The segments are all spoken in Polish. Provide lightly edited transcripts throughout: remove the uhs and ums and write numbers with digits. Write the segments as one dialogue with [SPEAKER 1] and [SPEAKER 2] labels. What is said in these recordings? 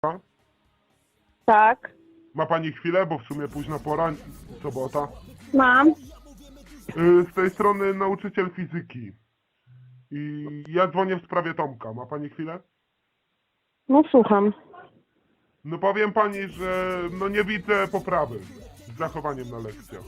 [SPEAKER 1] Tak,
[SPEAKER 2] Ma pani chwilę, bo w sumie późna pora, sobota.
[SPEAKER 1] mam.
[SPEAKER 2] Z tej strony nauczyciel fizyki. I ja dzwonię w sprawie Tomka. Ma pani chwilę?
[SPEAKER 1] No słucham.
[SPEAKER 2] No powiem pani, że no nie widzę poprawy z zachowaniem na lekcjach.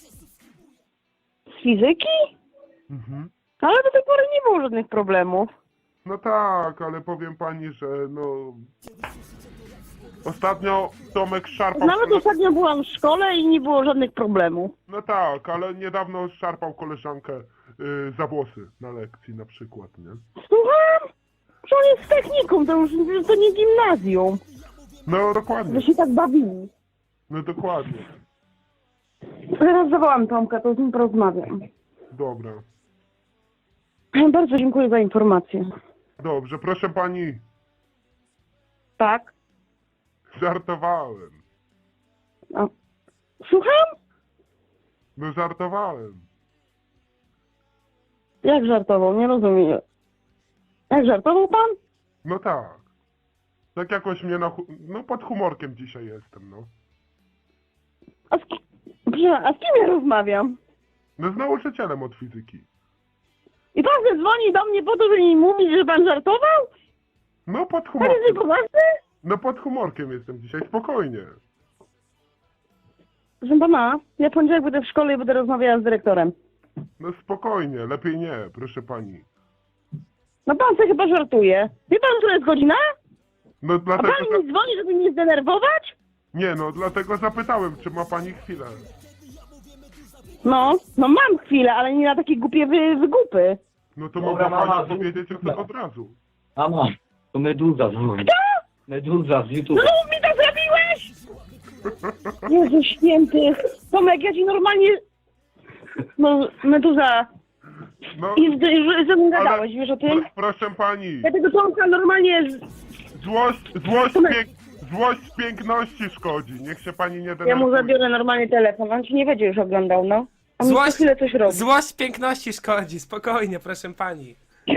[SPEAKER 1] Z fizyki?
[SPEAKER 2] Mhm.
[SPEAKER 1] Ale do tej pory nie było żadnych problemów.
[SPEAKER 2] No tak, ale powiem pani, że no... Ostatnio Tomek szarpał...
[SPEAKER 1] Nawet ostatnio byłam w szkole i nie było żadnych problemów.
[SPEAKER 2] No tak, ale niedawno szarpał koleżankę za włosy na lekcji na przykład, nie?
[SPEAKER 1] Słucham? Że on jest technikum, to już to nie gimnazjum.
[SPEAKER 2] No dokładnie,
[SPEAKER 1] Że się tak bawili.
[SPEAKER 2] no dokładnie.
[SPEAKER 1] Teraz zawołam Tomka, to z nim porozmawiam.
[SPEAKER 2] Dobra.
[SPEAKER 1] Bardzo dziękuję za informację.
[SPEAKER 2] Dobrze, proszę pani,
[SPEAKER 1] Tak?
[SPEAKER 2] żartowałem.
[SPEAKER 1] A. Słucham?
[SPEAKER 2] No żartowałem.
[SPEAKER 1] Jak żartował? Nie rozumiem. Jak żartował pan?
[SPEAKER 2] No tak. Tak jakoś mnie no pod humorkiem dzisiaj jestem, no.
[SPEAKER 1] A z kim ja rozmawiam?
[SPEAKER 2] No z nauczycielem od fizyki.
[SPEAKER 1] I pan dzwoni do mnie po to, żeby mi mówić, że pan żartował?
[SPEAKER 2] No pod
[SPEAKER 1] Pan
[SPEAKER 2] humorkiem.
[SPEAKER 1] jest poważny?
[SPEAKER 2] No pod humorkiem jestem dzisiaj, spokojnie.
[SPEAKER 1] Proszę pana, ja w poniedziałek będę w szkole i będę rozmawiała z dyrektorem.
[SPEAKER 2] No spokojnie, lepiej nie, proszę pani.
[SPEAKER 1] No pan sobie chyba żartuje. Wie pan, która jest godzina?
[SPEAKER 2] No
[SPEAKER 1] A
[SPEAKER 2] dlatego...
[SPEAKER 1] pan mi dzwoni, żeby mnie zdenerwować?
[SPEAKER 2] Nie no, dlatego zapytałem, czy ma pani chwilę.
[SPEAKER 1] No mam chwilę, ale nie na takie głupie wygupy.
[SPEAKER 2] No to
[SPEAKER 3] Dobra,
[SPEAKER 2] mogła
[SPEAKER 3] mama,
[SPEAKER 2] pani powiedzieć o tym od razu.
[SPEAKER 3] Mama, to Meduza dzwoni. Meduza z YouTube.
[SPEAKER 1] No mów mi to zrobiłeś! Jezu święty. Tomek, ja ci normalnie... No, Meduza.
[SPEAKER 2] No,
[SPEAKER 1] I ze mną gadałeś, wiesz o tym?
[SPEAKER 2] proszę pani,
[SPEAKER 1] Ja tego Tomka normalnie...
[SPEAKER 2] złość z piękności szkodzi, niech się pani nie denerwuje.
[SPEAKER 1] Ja mu zabiorę normalnie telefon, on ci nie będzie już oglądał, no. On mi co chwilę coś robi.
[SPEAKER 4] Złość piękności szkodzi, spokojnie, proszę pani.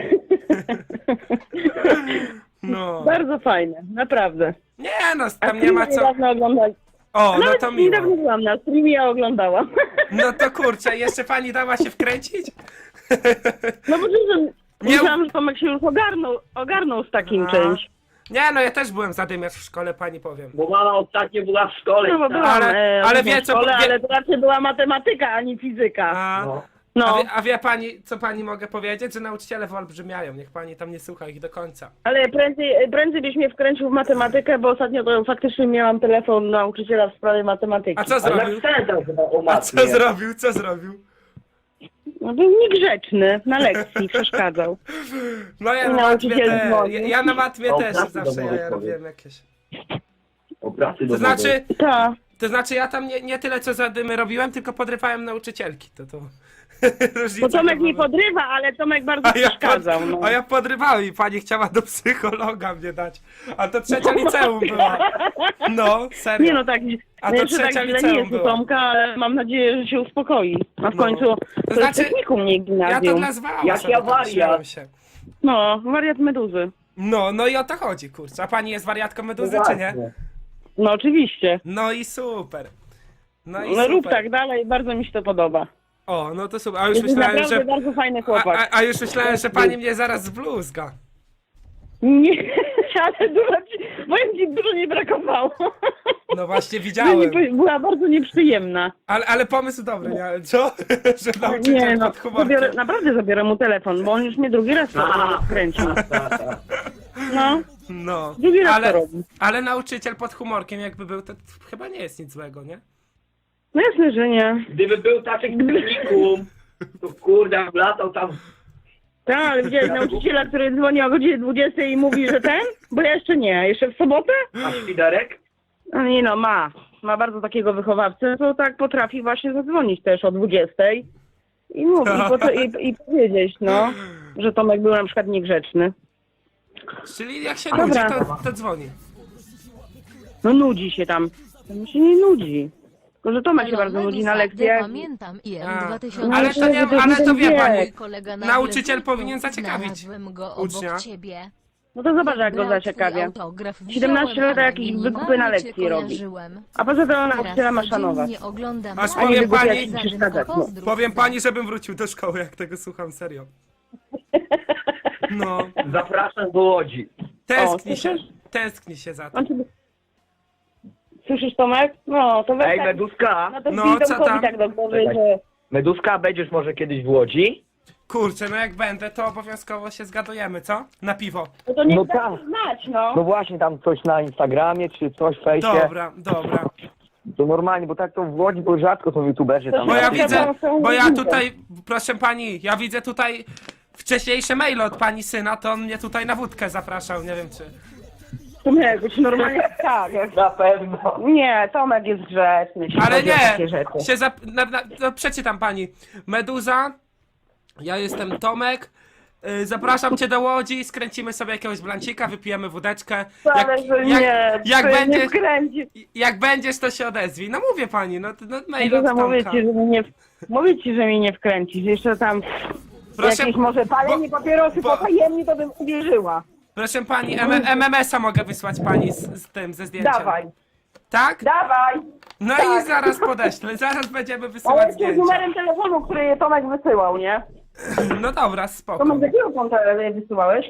[SPEAKER 4] No.
[SPEAKER 1] Bardzo fajne, naprawdę.
[SPEAKER 4] Nie no, tam nie ma co...
[SPEAKER 1] Niedawno oglądali.
[SPEAKER 4] O, no
[SPEAKER 1] Nawet
[SPEAKER 4] to
[SPEAKER 1] niedawno
[SPEAKER 4] miło.
[SPEAKER 1] byłam na streamie, ja oglądałam.
[SPEAKER 4] No to kurczę, jeszcze pani dała się wkręcić?
[SPEAKER 1] No bo że
[SPEAKER 4] Nie-
[SPEAKER 1] myślałam, że Tomek się już ogarnął z takim
[SPEAKER 4] A.
[SPEAKER 1] czymś.
[SPEAKER 4] Nie no, ja też byłem zadymiarz w szkole, pani powiem.
[SPEAKER 3] Bo mama ostatnio była w szkole.
[SPEAKER 1] No bo
[SPEAKER 3] tak?
[SPEAKER 1] byłam
[SPEAKER 4] ale
[SPEAKER 1] w
[SPEAKER 4] wie co-
[SPEAKER 1] szkole,
[SPEAKER 4] wie-
[SPEAKER 1] ale to raczej była matematyka, a nie fizyka.
[SPEAKER 4] A,
[SPEAKER 3] No.
[SPEAKER 1] No,
[SPEAKER 4] a wie pani, co pani mogę powiedzieć? Że nauczyciele wyolbrzymiają, niech pani tam nie słucha ich do końca.
[SPEAKER 1] ale prędzej byś mnie wkręcił w matematykę, bo ostatnio to faktycznie miałam telefon nauczyciela w sprawie matematyki.
[SPEAKER 4] A co
[SPEAKER 3] Ale
[SPEAKER 4] zrobił?
[SPEAKER 3] napisałem chyba o
[SPEAKER 4] A
[SPEAKER 3] matmie.
[SPEAKER 4] co zrobił? Co zrobił?
[SPEAKER 1] No, był niegrzeczny, na lekcji przeszkadzał.
[SPEAKER 4] No ja
[SPEAKER 1] I
[SPEAKER 4] na matmie
[SPEAKER 1] nauczyciel dzwoni.
[SPEAKER 4] ja na matmie
[SPEAKER 3] O,
[SPEAKER 4] też
[SPEAKER 3] pracy
[SPEAKER 4] zawsze
[SPEAKER 3] domowej
[SPEAKER 4] ja
[SPEAKER 3] powiedz.
[SPEAKER 4] robiłem jakieś.
[SPEAKER 3] O pracy
[SPEAKER 4] To
[SPEAKER 3] domowej.
[SPEAKER 4] znaczy,
[SPEAKER 1] Tak.
[SPEAKER 4] ja tam nie tyle co zadymy robiłem, tylko podrywałem nauczycielki. To różnica.
[SPEAKER 1] Bo Tomek nie
[SPEAKER 4] była.
[SPEAKER 1] podrywa, ale Tomek bardzo przeszkadzał. No.
[SPEAKER 4] A ja podrywałem i pani chciała do psychologa mnie dać. A to trzecia liceum była. No, serio.
[SPEAKER 1] Nie no tak,
[SPEAKER 4] A to
[SPEAKER 1] jeszcze tak
[SPEAKER 4] trzecia
[SPEAKER 1] źle nie
[SPEAKER 4] liceum
[SPEAKER 1] jest u
[SPEAKER 4] była.
[SPEAKER 1] Tomka, ale mam nadzieję, że się uspokoi. A w
[SPEAKER 4] No.
[SPEAKER 1] końcu to
[SPEAKER 4] znaczy,
[SPEAKER 1] jest technikum, nie
[SPEAKER 4] Ja to
[SPEAKER 1] gimnazjum.
[SPEAKER 4] dla zwała
[SPEAKER 3] Jak
[SPEAKER 4] sobie
[SPEAKER 3] ja
[SPEAKER 4] tak
[SPEAKER 3] wariat.
[SPEAKER 4] śmiałem się.
[SPEAKER 1] No, wariat meduzy.
[SPEAKER 4] No i o to chodzi, kurczę. A pani jest wariatką meduzy, czy nie?
[SPEAKER 3] Właśnie.
[SPEAKER 1] No oczywiście.
[SPEAKER 4] No i super. No i
[SPEAKER 1] No
[SPEAKER 4] super.
[SPEAKER 1] rób tak dalej, bardzo mi się to podoba.
[SPEAKER 4] O, no to super. A już
[SPEAKER 1] Jest
[SPEAKER 4] myślałem,
[SPEAKER 1] naprawdę
[SPEAKER 4] że...
[SPEAKER 1] bardzo fajny chłopak.
[SPEAKER 4] A już myślałem, że pani mnie zaraz zbluzga.
[SPEAKER 1] Nie, ale powiem ci, dużo nie brakowało.
[SPEAKER 4] No właśnie widziałem.
[SPEAKER 1] Była bardzo nieprzyjemna.
[SPEAKER 4] Ale pomysł dobry, nie? Ale co? Że nauczyciel
[SPEAKER 1] Nie no,
[SPEAKER 4] pod humorkiem.
[SPEAKER 1] naprawdę zabiorę mu telefon, bo on już mnie drugi raz kręcił. No,
[SPEAKER 4] No,
[SPEAKER 1] drugi raz to robi.
[SPEAKER 4] ale nauczyciel pod humorkiem jakby był, to chyba nie jest nic złego, nie?
[SPEAKER 1] No jasne, że nie.
[SPEAKER 3] Gdyby był taki technikum, to kurde, latał tam.
[SPEAKER 1] Tak, ale widziałeś nauczyciela, który dzwoni o godzinie 20 i mówi, że ten? Bo ja jeszcze nie. Jeszcze w sobotę?
[SPEAKER 3] A świderek?
[SPEAKER 1] No nie no, ma bardzo takiego wychowawcę, to tak potrafi właśnie zadzwonić też o 20 i mówić, i powiedzieć, no, że Tomek był na przykład niegrzeczny.
[SPEAKER 4] Czyli jak się
[SPEAKER 1] Dobra.
[SPEAKER 4] nudzi, to dzwoni.
[SPEAKER 1] No nudzi się tam. Tam się nie nudzi. Tylko, że Tomek się bardzo nudzi na lekcjach.
[SPEAKER 5] Pamiętam IM
[SPEAKER 4] A,
[SPEAKER 5] 2000.
[SPEAKER 4] ale to wie pani,
[SPEAKER 5] Kolega
[SPEAKER 4] nauczyciel
[SPEAKER 5] nagle
[SPEAKER 4] powinien zaciekawić
[SPEAKER 5] znalazłem go
[SPEAKER 4] ucznia.
[SPEAKER 5] obok ciebie.
[SPEAKER 1] No to zobacz, jak go
[SPEAKER 5] Brat,
[SPEAKER 1] zasiekawie.
[SPEAKER 5] twój autograf
[SPEAKER 1] 17
[SPEAKER 5] wziąłem,
[SPEAKER 1] lat
[SPEAKER 5] ale
[SPEAKER 1] jakieś
[SPEAKER 5] minimalnie
[SPEAKER 1] wykupy na
[SPEAKER 5] cię
[SPEAKER 1] lekcji robi.
[SPEAKER 5] kojarzyłem.
[SPEAKER 1] A poza tym ona
[SPEAKER 5] Teraz
[SPEAKER 1] nauczyciela ma szanować.
[SPEAKER 5] codziennie oglądam
[SPEAKER 4] Aż
[SPEAKER 5] a
[SPEAKER 4] powiem
[SPEAKER 5] nie
[SPEAKER 4] pani-
[SPEAKER 5] zadym,
[SPEAKER 1] przeszkadzać, no.
[SPEAKER 5] pozdrów.
[SPEAKER 4] Powiem pani, żebym wrócił do szkoły, jak tego słucham, serio. No,
[SPEAKER 3] Zapraszam do Łodzi.
[SPEAKER 4] tęskni się za tym.
[SPEAKER 1] On ciebie... Słyszysz, Tomek? No, to weź
[SPEAKER 3] Ej,
[SPEAKER 1] tak,
[SPEAKER 3] Meduska!
[SPEAKER 1] no to
[SPEAKER 4] No,
[SPEAKER 1] wbij
[SPEAKER 4] co
[SPEAKER 1] Tomkowi
[SPEAKER 4] tam?
[SPEAKER 1] tak do głowy,
[SPEAKER 3] Czekaj.
[SPEAKER 1] że...
[SPEAKER 3] Meduska, będziesz może kiedyś w Łodzi?
[SPEAKER 4] Kurczę, no jak będę, to obowiązkowo się zgadujemy, co? Na piwo.
[SPEAKER 1] No to nie
[SPEAKER 3] No
[SPEAKER 1] da
[SPEAKER 3] tak.
[SPEAKER 1] znać, no.
[SPEAKER 3] No właśnie, tam coś na Instagramie, czy coś w fejsie.
[SPEAKER 4] Dobra, dobra.
[SPEAKER 3] To normalnie, bo tak to w Łodzi, bo rzadko są youtuberzy tam.
[SPEAKER 4] Bo ja
[SPEAKER 1] Dobra,
[SPEAKER 4] widzę,
[SPEAKER 1] są
[SPEAKER 4] bo ja
[SPEAKER 1] różnice.
[SPEAKER 4] tutaj, proszę pani, ja widzę tutaj wcześniejsze maile od pani syna, to on mnie tutaj na wódkę zapraszał, nie wiem czy...
[SPEAKER 1] Tomek, być normalnie tak.
[SPEAKER 3] Na pewno.
[SPEAKER 1] Nie, Tomek jest grzeczny. jeśli
[SPEAKER 4] Ale
[SPEAKER 1] chodzi o takie
[SPEAKER 4] nie,
[SPEAKER 1] rzeczy.
[SPEAKER 4] się no, przeczytam pani. Meduza, ja jestem Tomek, zapraszam cię do Łodzi, skręcimy sobie jakiegoś blancika, wypijemy wódeczkę.
[SPEAKER 1] Ale że nie,
[SPEAKER 4] jak
[SPEAKER 1] to nie
[SPEAKER 4] będziesz,
[SPEAKER 1] wkręci.
[SPEAKER 4] jak będziesz, to się odezwij. No mówię pani, no mail
[SPEAKER 1] To
[SPEAKER 4] od
[SPEAKER 1] mówię
[SPEAKER 4] Tomka.
[SPEAKER 1] ci, że mówię ci, że mnie nie wkręcisz. Jeszcze tam
[SPEAKER 4] Proszę,
[SPEAKER 1] jakieś może palenie papierosy
[SPEAKER 4] bo-
[SPEAKER 1] potajemnie, to bym uwierzyła.
[SPEAKER 4] proszę pani, MMS-a mogę wysłać pani z tym, ze zdjęciem.
[SPEAKER 1] Dawaj,
[SPEAKER 4] Tak?
[SPEAKER 1] dawaj.
[SPEAKER 4] No
[SPEAKER 1] tak.
[SPEAKER 4] i zaraz podeślę, zaraz będziemy wysyłać
[SPEAKER 1] Ale z
[SPEAKER 4] zdjęcia.
[SPEAKER 1] numerem telefonu, który je Tomek wysyłał, nie?
[SPEAKER 4] No dobra, spoko.
[SPEAKER 1] Tomek, z jakiego konta je wysyłałeś?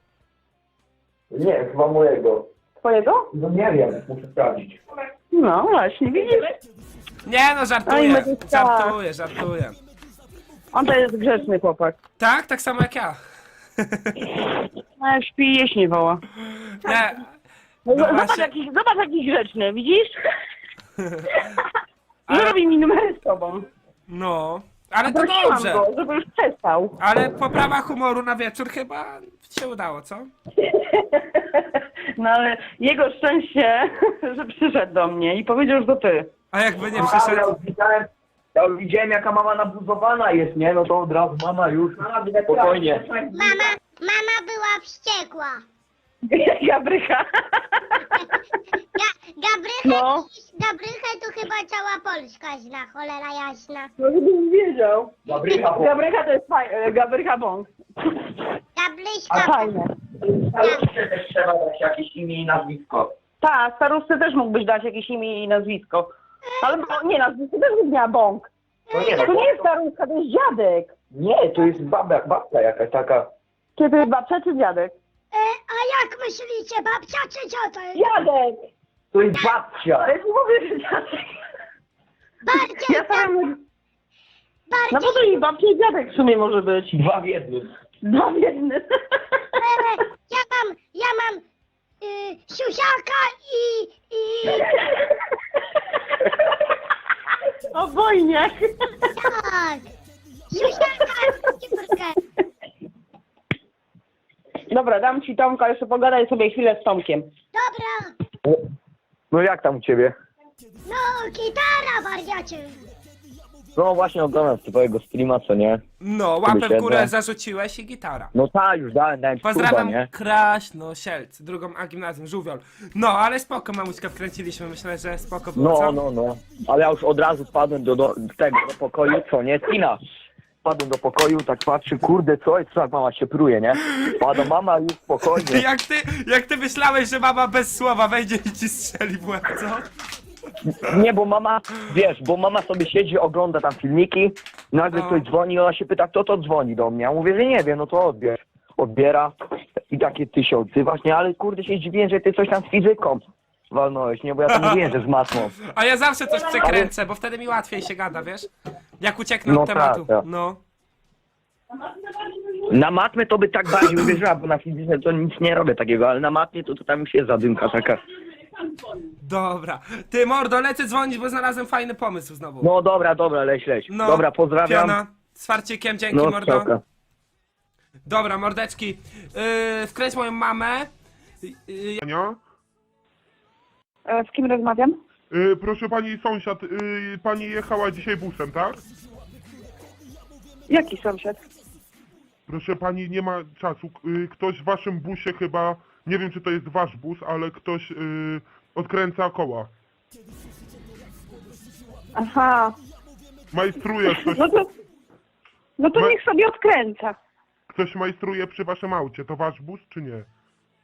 [SPEAKER 3] Nie, chyba mojego.
[SPEAKER 1] Twojego?
[SPEAKER 3] No nie wiem, muszę sprawdzić.
[SPEAKER 1] No właśnie, widzisz?
[SPEAKER 4] Nie no,
[SPEAKER 1] Oj,
[SPEAKER 4] żartuję,
[SPEAKER 1] Meduska.
[SPEAKER 4] żartuję.
[SPEAKER 1] On to jest grzeczny chłopak.
[SPEAKER 4] Tak? Tak samo jak ja.
[SPEAKER 1] A jak śpi, jeść nie woła.
[SPEAKER 4] Nie.
[SPEAKER 1] No,
[SPEAKER 4] No
[SPEAKER 1] zobacz,
[SPEAKER 4] właśnie.
[SPEAKER 1] zobacz jaki grzeczny, widzisz?
[SPEAKER 4] Ale-
[SPEAKER 1] Nie robi mi numery z tobą.
[SPEAKER 4] No, ale to
[SPEAKER 1] Prosiłam
[SPEAKER 4] dobrze.
[SPEAKER 1] go, żeby już przestał.
[SPEAKER 4] Ale poprawa humoru na wieczór chyba się udało, co?
[SPEAKER 1] No ale jego szczęście, że przyszedł do mnie i powiedział, że to ty.
[SPEAKER 4] A jakby nie
[SPEAKER 3] Ja
[SPEAKER 4] przyszedł...
[SPEAKER 3] już widziałem jaka mama nabuzowana jest, nie? No to od razu mama już spokojnie.
[SPEAKER 6] Mama była wściekła.
[SPEAKER 1] Gabrycha.
[SPEAKER 6] Gabrychę,
[SPEAKER 1] No.
[SPEAKER 6] Gabrychę to chyba cała Polska zna, cholera jasna.
[SPEAKER 1] No żebym wiedział.
[SPEAKER 3] Gabrycha, bo
[SPEAKER 1] Gabrycha to jest Gabrycha Bąk. A
[SPEAKER 6] Gabryśka,
[SPEAKER 1] fajne.
[SPEAKER 3] staruszce też trzeba dać jakieś imię i nazwisko.
[SPEAKER 1] Tak, staruszce też mógłbyś dać jakieś imię i nazwisko. Ale nie, nazwisko też by miała Bąk.
[SPEAKER 3] No nie,
[SPEAKER 1] To nie jest staruszka, to jest dziadek.
[SPEAKER 3] nie, to jest babka jakaś taka.
[SPEAKER 1] Czy to jest babcia, czy dziadek?
[SPEAKER 6] a jak myślicie, babcia czy ciota?
[SPEAKER 1] Dziadek!
[SPEAKER 3] To jest babcia.
[SPEAKER 1] Ale ci mówię, że dziadek.
[SPEAKER 6] Bardziej,
[SPEAKER 1] Ja sam... No
[SPEAKER 6] bardziej,
[SPEAKER 1] bo to i babcia i dziadek w sumie może być.
[SPEAKER 3] Dwa w jednym.
[SPEAKER 1] Dwa w jednym.
[SPEAKER 6] ja mam siusiaka i
[SPEAKER 1] Obojniak.
[SPEAKER 6] tak, siusiaka i córkę.
[SPEAKER 1] Dobra, dam ci Tomka, jeszcze pogadaj sobie chwilę z Tomkiem.
[SPEAKER 6] Dobra,
[SPEAKER 3] No jak tam u ciebie?
[SPEAKER 6] no gitara wariacie.
[SPEAKER 3] No właśnie oglądam twojego streama, co nie?
[SPEAKER 4] No, łapę w
[SPEAKER 3] siedzę.
[SPEAKER 4] górę zarzuciłeś i gitara.
[SPEAKER 3] No tak, już dałem
[SPEAKER 4] Pozdrawiam
[SPEAKER 3] nie?
[SPEAKER 4] Kraśno, Sielc, drugą A gimnazjum, Żółwiol. No, ale spoko, mamuśkę wkręciliśmy, myślę, że spoko było, co?
[SPEAKER 3] No. Ale ja już od razu wpadłem do tego, do pokoju, co nie? Tina. Wpadłem do pokoju, tak patrzę, kurde, co jest, tak mama się pruje, nie? Pada mama już spokojnie.
[SPEAKER 4] Jak ty myślałeś, że mama bez słowa wejdzie i ci strzeli w łeb, co?
[SPEAKER 3] Nie, bo mama, wiesz, bo mama sobie siedzi, ogląda tam filmiki, nagle
[SPEAKER 4] No.
[SPEAKER 3] ktoś dzwoni, ona się pyta, kto to dzwoni do mnie. Ja mówię, że nie wiem, no to odbierz. Odbiera i takie ty się odzywasz, nie? Ale kurde się dziwię, że ty coś tam z fizyką walnąłeś, nie? Bo ja to mówiłem, że z matmą.
[SPEAKER 4] A ja zawsze coś przekręcę, bo wtedy mi łatwiej się gada, wiesz? Jak ucieknę
[SPEAKER 3] No
[SPEAKER 4] od tematu.
[SPEAKER 3] tak.
[SPEAKER 4] No.
[SPEAKER 3] Na matmę to by tak bardziej uwierzyła, bo na fizyce to nic nie robię takiego, ale na matmie to tam już jest zadymka taka.
[SPEAKER 4] Dobra. Ty, mordo, lecę dzwonić, bo znalazłem fajny pomysł znowu.
[SPEAKER 3] No dobra, leć.
[SPEAKER 4] No,
[SPEAKER 3] Dobra, pozdrawiam.
[SPEAKER 4] Piona, z farcikiem, dzięki,
[SPEAKER 3] No,
[SPEAKER 4] mordo.
[SPEAKER 3] strzałka.
[SPEAKER 4] Dobra, mordeczki. Wkręć moją mamę.
[SPEAKER 2] Ania?
[SPEAKER 1] Z kim rozmawiam?
[SPEAKER 2] Proszę pani sąsiad, pani jechała dzisiaj busem, tak?
[SPEAKER 1] Jaki sąsiad?
[SPEAKER 2] Proszę pani, nie ma czasu. Ktoś w waszym busie chyba, nie wiem czy to jest wasz bus, ale ktoś odkręca koła.
[SPEAKER 1] Aha.
[SPEAKER 2] Majstruje ktoś,
[SPEAKER 1] No to
[SPEAKER 2] Ma-
[SPEAKER 1] niech sobie odkręca.
[SPEAKER 2] ktoś majstruje przy waszym aucie. To wasz bus czy nie?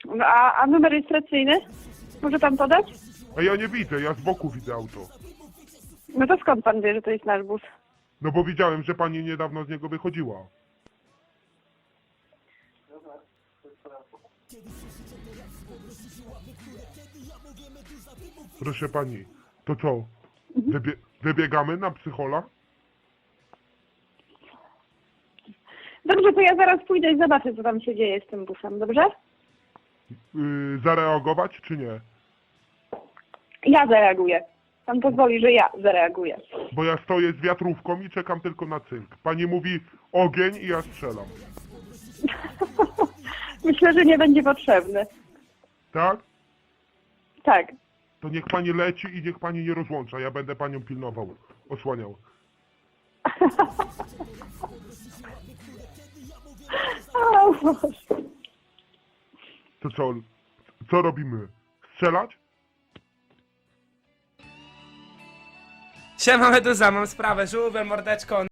[SPEAKER 1] No, a numer rejestracyjny? Może pan podać?
[SPEAKER 2] A ja nie widzę, ja z boku widzę auto.
[SPEAKER 1] No to skąd pan wie, że to jest nasz bus?
[SPEAKER 2] No bo widziałem, że pani niedawno z niego wychodziła. Proszę pani, to co? Wybiegamy na psychola?
[SPEAKER 1] Dobrze, to ja zaraz pójdę i zobaczę, co tam się dzieje z tym busem, dobrze?
[SPEAKER 2] Zareagować czy nie?
[SPEAKER 1] Ja zareaguję. Pan pozwoli, że ja zareaguję.
[SPEAKER 2] Bo ja stoję z wiatrówką i czekam tylko na cynk. Pani mówi ogień i ja strzelam.
[SPEAKER 1] Myślę, że nie będzie potrzebny.
[SPEAKER 2] Tak?
[SPEAKER 1] Tak.
[SPEAKER 2] To niech pani leci i niech pani nie rozłącza. Ja będę panią pilnował, osłaniał.
[SPEAKER 1] O Boże.
[SPEAKER 2] To co? Co robimy? Strzelać?
[SPEAKER 4] Siema Meduza, mam sprawę, żółwiem, mordeczko.